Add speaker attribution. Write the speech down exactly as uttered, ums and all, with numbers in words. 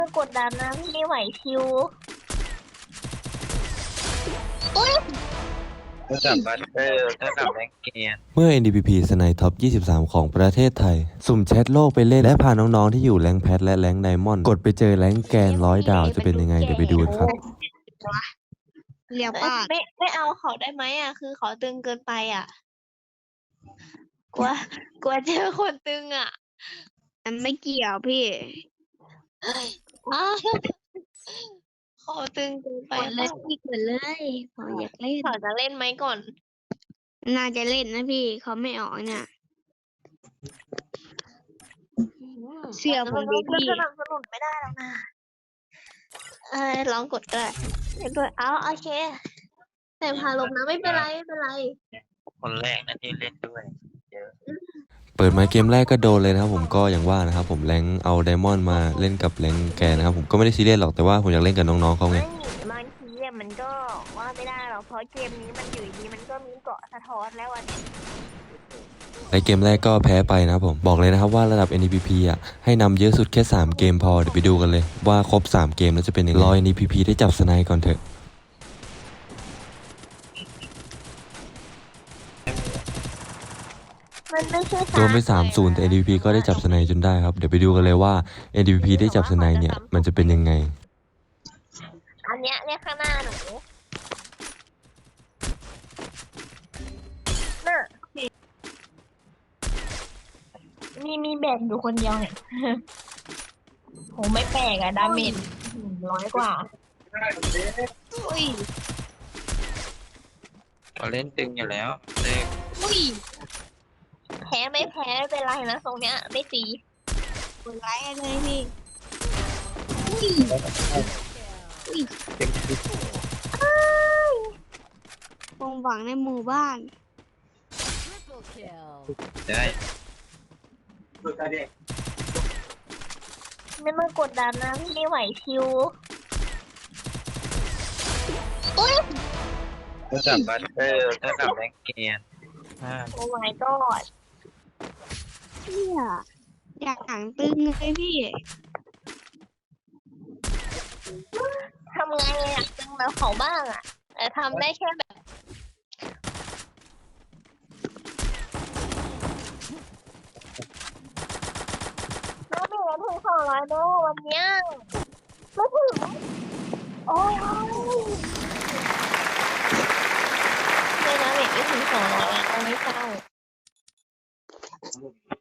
Speaker 1: กดดันนะพี่ไม่ไหวชิวอุ้ย
Speaker 2: ระดับบัตเตอร์ระดับแรงเกียร์
Speaker 3: เมื่อ เอ็น ดี พี พี สไนท็อป ยี่สิบสาม ของประเทศไทย สุ่มแชทโลกไปเล่นและพาน้องๆที่อยู่แรงค์แพทและแรงค์ไดมอนด์กดไปเจอแรงค์แกนร้อยดาวจะเป็นยังไง เดี๋ยวไปดูกันครับ
Speaker 4: เรียก
Speaker 1: เอ้ย
Speaker 4: ว่า
Speaker 1: ไม่ไม่เอาเขาได้ไหมอ่ะ คือเขาตึงเกินไปอ่ะ กลัวกลัวเจอคนตึงอ่ะ
Speaker 4: มันไม่เกี่ยวพี่
Speaker 1: อ้าวเขาตึงเกินไป
Speaker 4: กดเลยพี่กดเลยเขาอยากเล่น
Speaker 1: เขาจะเล่นไหมก่อน
Speaker 4: น่าจะเล่นนะพี่เขาไม่ออกเนี่ย เชื่อผมดิพี่
Speaker 1: สนับสนุนไม่ได้แล้วนะเออลองกดก็ได้เล่นด้วยเอาโอเค แต่พาลงนะไม่เป็นไรไม่เป็นไร
Speaker 2: คนแรกนะที่เล่นด้วยเยอะ
Speaker 3: เปิดมาเกมแรกก็โดนเลยนะครับผมก็อย่างว่านะครับผมแรงค์เอาไดมอนด์มาเล่นกับแรงค์แกนนะครับผมก็ไม่ได้ซีเรียสหรอกแต่ว่าผมอยากเล่นกับน้องๆเขาไง
Speaker 1: ไม่บางทีอะมันก็ว่าไม่ได้หรอกเพราะเกมนี้มันอยู่ดีมันก็มีเกาะสะท้อนแล้วอันนี้
Speaker 3: ในเกมแรกก็แพ้ไปนะครับผมบอกเลยนะครับว่าระดับ เอ็น ดี พี พี อ่ะให้นำเยอะสุดแค่สามเกมพอเดี๋ยวไปดูกันเลยว่าครบสามเกมแล้วจะเป็นยังไงรอ เอ็น ดี พี พี ได้จับสไนก่อนเถอะ
Speaker 1: มันไม่ใช่
Speaker 3: โดนไป สามศูนย์ แต่ เอ็น ดี พี พี ก็ได้จับสไนจนได้ครับเดี๋ยวไปดูกันเลยว่า เอ็น ดี พี พี ได้จับสไนเนี่ยมันจะเป็นยังไง
Speaker 1: อันเนี้ยเนี่ยข้างหน้าหนูน่ะมีมีแบกอยู่คนเดียวเนี่ย โหไม่แปลกอะดาเมจร้อยกว่าอุ้ย
Speaker 2: เขาเล่นตึงอยู่แล้วเลข
Speaker 1: อุ้ยแพ้ไม่แพ้ไม่เป็นไรนะตรงเนี้ยไม่ตี
Speaker 4: กดไลค์กันเลยพี่
Speaker 2: เต็มที่
Speaker 4: วงหวังในหมู่บ้าน
Speaker 2: ได้
Speaker 1: ไม่มากดดันนะพี่ไม่ไหวชิวอุ้ย
Speaker 2: ระดับบัตเตอร์ระดับแรงเกียร์ห้า
Speaker 1: โอ้ my god
Speaker 4: เนี่ยอยากหนังตึงเลยพี่
Speaker 1: ทำไงอยากตึงแบบเขาบ้างอะแต่ทำได้แค่แบบเราไม่ได้ถึงสองร้อยโลวันเนี้ยไม่ถึงโอ้ยไม่นะเด็กไม่ถึงสองร้อยอะเอาไม่เศร้า